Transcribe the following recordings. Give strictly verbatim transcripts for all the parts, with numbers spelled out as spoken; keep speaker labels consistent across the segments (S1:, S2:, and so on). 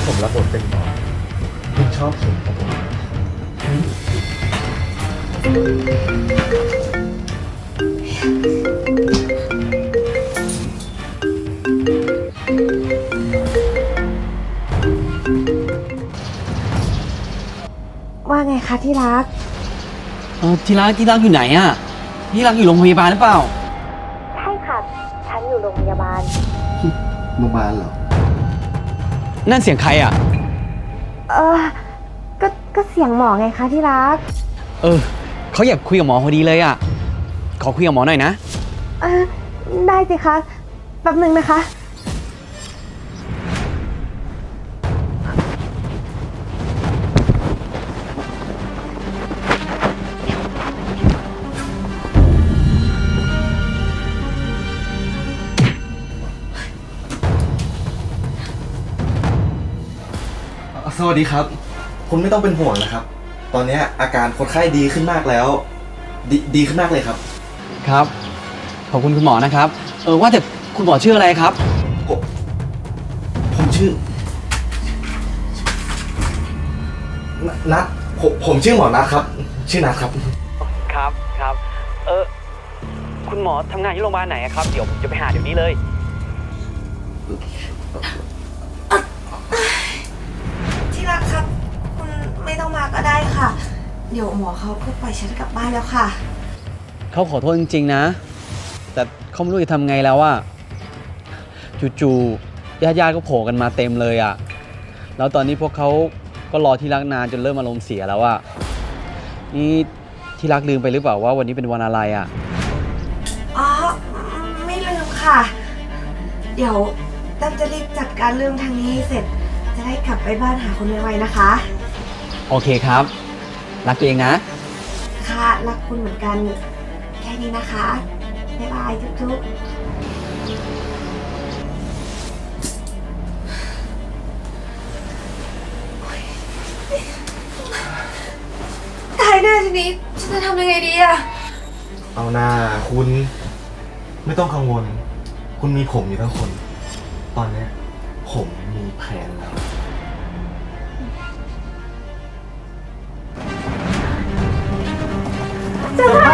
S1: ผมรับบทเป็นหมอคุณชอบผมครับผม
S2: ว่าไงคะที่รัก
S3: เออที่รักที่รักอยู่ไหนอะที่รักอยู่โรงพยาบาลหรือเปล่า
S2: ใช่ค่ะ ฉันอยู่โรงพยาบาล
S1: โรงพยาบาลเหรอ
S3: นั่นเสียงใครอะ
S2: เออก็ก็เสียงหมอไงคะที่รัก
S3: เออเขาอยากคุยกับหมอพอดีเลยอะขอคุยกับหมอหน่อยนะ
S2: เออได้สิคะ แป๊บหนึ่งนะคะ
S1: สวัสดีครับ คุณไม่ต้องเป็นห่วงนะครับ ตอนนี้อาการคนไข้ดีขึ้นมากแล้ว ดดีขึ้นมากเลยครับ
S3: ครับ ขอบคุณคุณหมอนะครับ เออว่าแต่คุณหมอชื่ออะไรครับ
S1: ผมผมชื่อ นัทผมผมชื่อหมอนัทครับ ชื่อนัทครับ
S3: ครับครับ เออคุณหมอทำงานที่โรงพยาบาลไหนครับ เดี๋ยวผมจะไปหาเดี๋ยวนี้เลย
S2: ที่รักครับ คุณไม่ต้องมาก็ได้ค่ะ เดี๋ยวหมอเขาก็ปล่อยฉันกลับบ้านแล้วค่ะ
S3: เขาขอโทษจริงๆนะ แต่เขาไม่รู้จะทำไงแล้วอะจู่ๆญาติๆก็โผล่กันมาเต็มเลยอะแล้วตอนนี้พวกเขาก็รอที่รักนานจนเริ่มอารมณ์เสียแล้วอะนี่ที่รักลืมไปหรือเปล่าว่าวันนี้เป็นวันอะไรอะ
S2: อ๋อ ไม่ลืมค่ะ เดี๋ยวตั้มจะรีบจัดการเรื่องทางนี้ให้เสร็จ จะได้กลับไปบ้านหาคนไวๆนะคะ
S3: โอเคครับ รักตัวเองนะ
S2: ค่ะรักคุณเหมือนกัน แค่นี้นะคะ บ๊ายบายจุ๊บๆตายแน่ทีนี้ฉันจะทำยังไงดีอะ
S1: เอาหน้าคุณไม่ต้องกังวล คุณมีผมอยู่ทั้งคน ตอนนี้ผมมีแผนแล้ว
S2: จะไป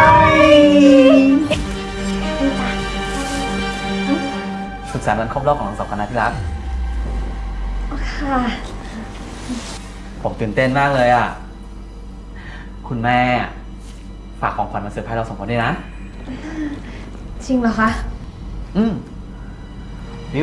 S3: สุขสันต์วันครบรอบของเราสองคนนะที่รัก
S2: ค่ะ
S3: ผมตื่นเต้นมากเลยอ่ะ คุณแม่ฝากของขวัญมาเซอร์ไพรส์เราสองคนด้วยนะ
S2: จริงเหรอคะ
S3: อืมบิว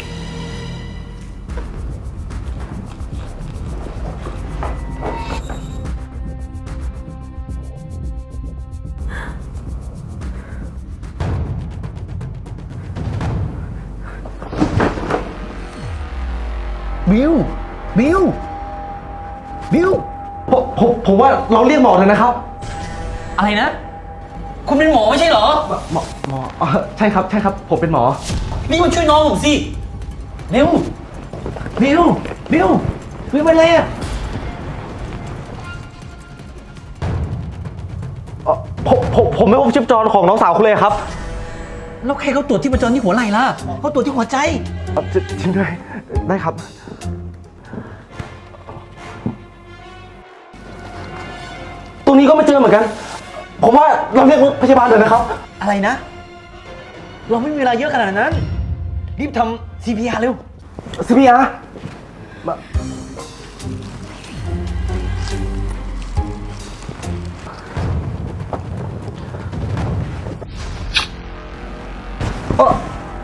S3: บิวบิวบิว
S1: ผมผมผมว่าเราเรียกหมอเลยนะครับ
S3: อะไรนะ คุณเป็นหมอไม่ใช่เหรอ
S1: หมอหมอเอ่อใช่ครับใช่ครับ ผมเป็นหมอ
S3: นี่มาช่วยน้องผมสิเร็วบิวบิวบิวไปเลยอ่ะ
S1: เอ่อผมผมผมไม่พบชีพจรของน้องสาวคุณเลยครับ
S3: แล้วใครเขาตรวจที่ประจรที่หัวไหล่ล่ะเขาตรวจที่หัวใจ
S1: เอ่อจจริงด้วยได้ครับ ตรงนี้ก็ไม่เจอเหมือนกัน ผมว่าเราเรียกรถพยาบาลเลยนะครับ
S3: อะไรนะ เราไม่มีเวลาเยอะขนาดนั้น รีบทำ ซี พี อาร์ เร็ว
S1: ซี พี อาร์ มาเอ่อ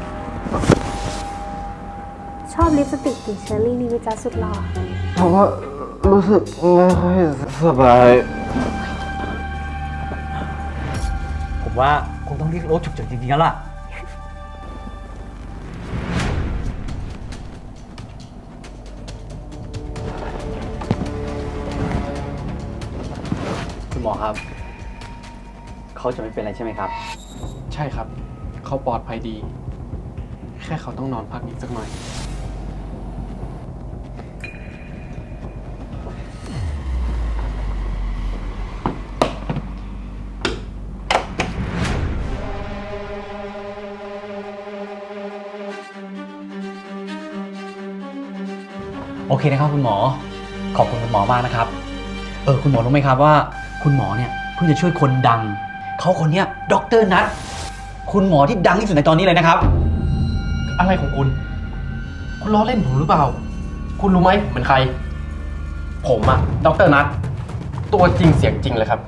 S2: ชอบลิปสติกกลิ่นเชอร์รี่นี่วิจาสุดหล่อ
S1: ผมว่ารู้สึกไม่ค่อยสบาย
S3: ผมว่าคงต้องเรียกรถฉุกเฉินจริงๆแล้วล่ะ คุณหมอครับ เขาจะไม่เป็นไรใช่ไหมครับ
S4: ใช่ครับ เขาปลอดภัยดี แค่เขาต้องนอนพักอีกสักหน่อย
S3: โอเคนะครับคุณหมอ ขอบคุณคุณหมอมากนะครับ เออคุณหมอรู้ไหมครับว่าคุณหมอเนี่ยเพิ่งจะช่วยคนดัง เขาคนเนี้ยดรนัทคุณหมอที่ดังที่สุดในตอนนี้เลยนะครับ
S4: อะไรของคุณ คุณล้อเล่นผมหรือเปล่า คุณรู้ไหมผมเป็นใคร ผมอะดรนัทตัวจริงเสียงจริงเลยครับ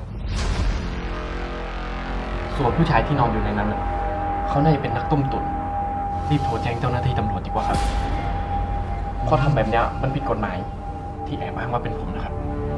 S4: ส่วนผู้ชายที่นอนอยู่ในนั้นน่ะเขาน่าจะเป็นนักต้มตุ๋นรีบโทรแจ้งเจ้าหน้าที่ตำรวจดีกว่าครับเพราะทำแบบเนี้ยมันผิดกฎหมายที่แอบอ้างว่าเป็นผมนะครับ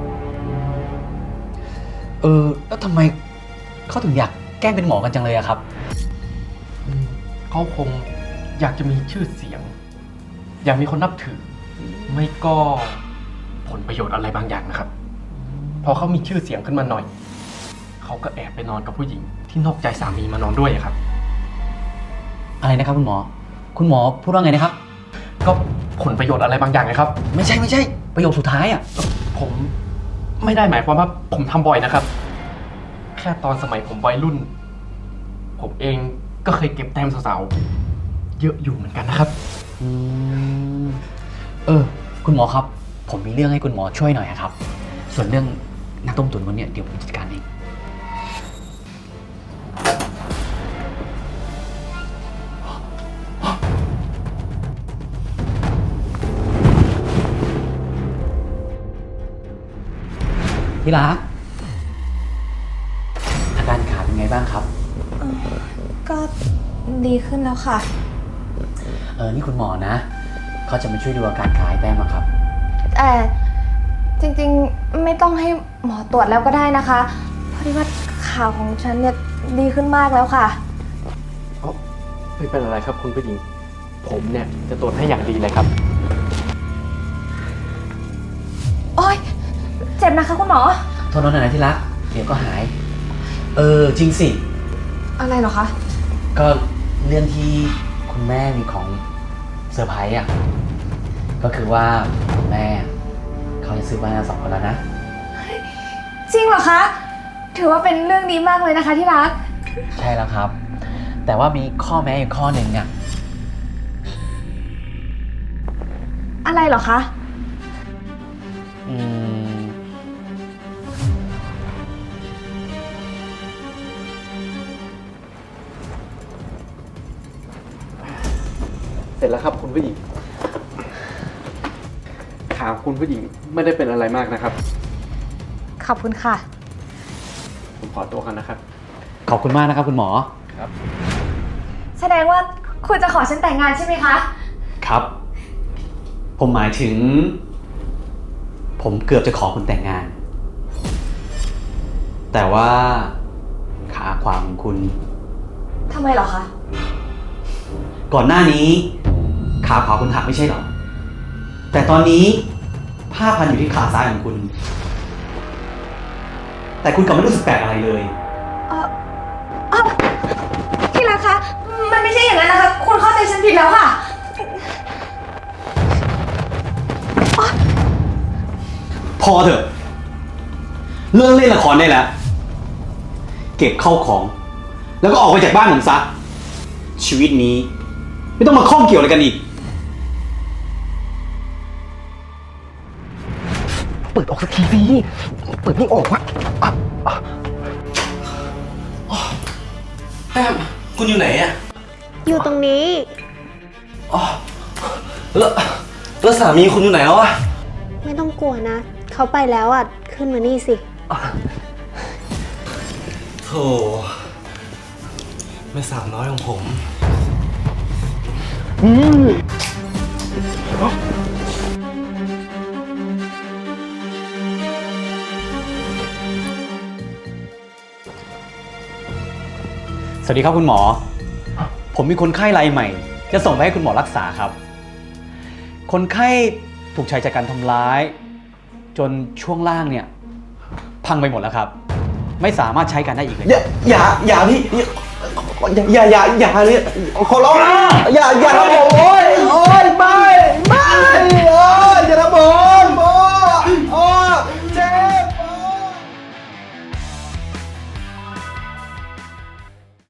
S3: เออแล้วทำไมเขาถึงอยากแกล้งเป็นหมอกันจังเลยอะครับ
S4: อืมเขาคงอยากจะมีชื่อเสียง อยากมีคนนับถือ ไม่ก็ผลประโยชน์อะไรบางอย่างนะครับ พอเขามีชื่อเสียงขึ้นมาหน่อย เขาก็แอบไปนอนกับผู้หญิงที่นอกใจสามีมานอนด้วยอะครับ
S3: อะไรนะครับคุณหมอ คุณหมอพูดว่าไงนะครับ
S4: ก็ผลประโยชน์อะไรบางอย่างนะครับ
S3: ไม่ใช่ไม่ใช่ประโยคสุดท้ายอะ
S4: ผมไม่ได้หมายความว่าผมทำบ่อยนะครับ แค่ตอนสมัยผมวัยรุ่น ผมเองก็เคยเก็บแต้มสาวๆเยอะอยู่เหมือนกันนะครับ
S3: อืมเออคุณหมอครับ ผมมีเรื่องให้คุณหมอช่วยหน่อยอะครับ ส่วนเรื่องนักต้มตุ๋นวันเนี้ยเดี๋ยวผมจัดการเองที่รักอาการขาเป็นไงบ้างครับ
S2: ก็ดีขึ้นแล้วค่ะ
S3: เออนี่คุณหมอนะเขาจะมาช่วยดูอาการขาให้แต้มอะครับ
S2: แต่จริงๆไม่ต้องให้หมอตรวจแล้วก็ได้นะคะเพราะว่าข่าวของฉันเนี่ยดีขึ้นมากแล้วค่ะ
S4: ไม่เป็นอะไรครับคุณผู้หญิง ผมเนี่ยจะตรวจให้อย่างดีเลยครับ
S2: โอ๊ยเจ็บนะคะคุณหมอ
S3: โทษน้องหน่อยนะที่รัก เดี๋ยวก็หาย เออจริงสิ
S2: อะไรเหรอคะ
S3: ก็เรื่องที่คุณแม่มีของเซอร์ไพรส์อ่ะ ก็คือว่าคุณแม่เขาจะซื้อบ้านเราสองคนแล้วนะ
S2: จริงเหรอคะ ถือว่าเป็นเรื่องดีมากเลยนะคะที่รัก
S3: ใช่แล้วครับ แต่ว่ามีข้อแม้อยู่ข้อหนึ่งอ่ะ
S2: อะไรเหรอคะ
S3: อืม
S4: เสร็จแล้วครับคุณผู้หญิงขาคุณผู้หญิงไม่ได้เป็นอะไรมากนะครับ
S2: ขอบคุณค่ะ
S4: ผมขอตัวกันนะครับ
S3: ขอบคุณมากนะครับคุณหมอ
S4: ครับ
S2: แสดงว่าคุณจะขอฉันแต่งงานใช่ไหมคะ
S3: ครับ ผมหมายถึง ผมเกือบจะขอคุณแต่งงาน แต่ว่าขาขวาของคุณ
S2: ทำไมเหรอคะ
S3: ก่อนหน้านี้ขาขวาคุณหักไม่ใช่เหรอ แต่ตอนนี้ผ้าพันอยู่ที่ขาซ้ายของคุณ แต่คุณกลับไม่รู้สึกแปลกอะไรเลย
S2: เออเออที่รักคะ มันไม่ใช่อย่างนั้นนะคะ คุณเข้าใจฉันผิดแล้วค่ะ
S3: พอเถอะ เลิกเล่นละครได้แล้ว เก็บเข้าของ แล้วก็ออกไปจากบ้านผมซะ ชีวิตนี้ ไม่ต้องมาข้องเกี่ยวอะไรกันอีก
S1: เปิดออกสักทีสิเปิดไม่ออกวะอ่ะอ่ะ
S5: แต้มคุณอยู่ไหนอะ
S6: อยู่ตรงนี้
S5: อ๋อแล้วแล้วสามีคุณอยู่ไหนแล้วอะ
S6: ไม่ต้องกลัวนะ เขาไปแล้วอ่ะ ขึ้นมานี่สิ
S5: โธ่แม่สาวน้อยของผม
S3: สวัสดีครับคุณหมอ ผมมีคนไข้รายใหม่ จะส่งไปให้คุณหมอรักษาครับ คนไข้ถูกชายจัดการทำร้าย จนช่วงล่างเนี่ยพังไปหมดแล้วครับ ไม่สามารถใช้การได้อีกเลย
S1: อย่าอย่าอย่าพี่อย่าอย่าอย่าอย่าเลยขอร้องนะอย่าอย่าทำผมโอ้ย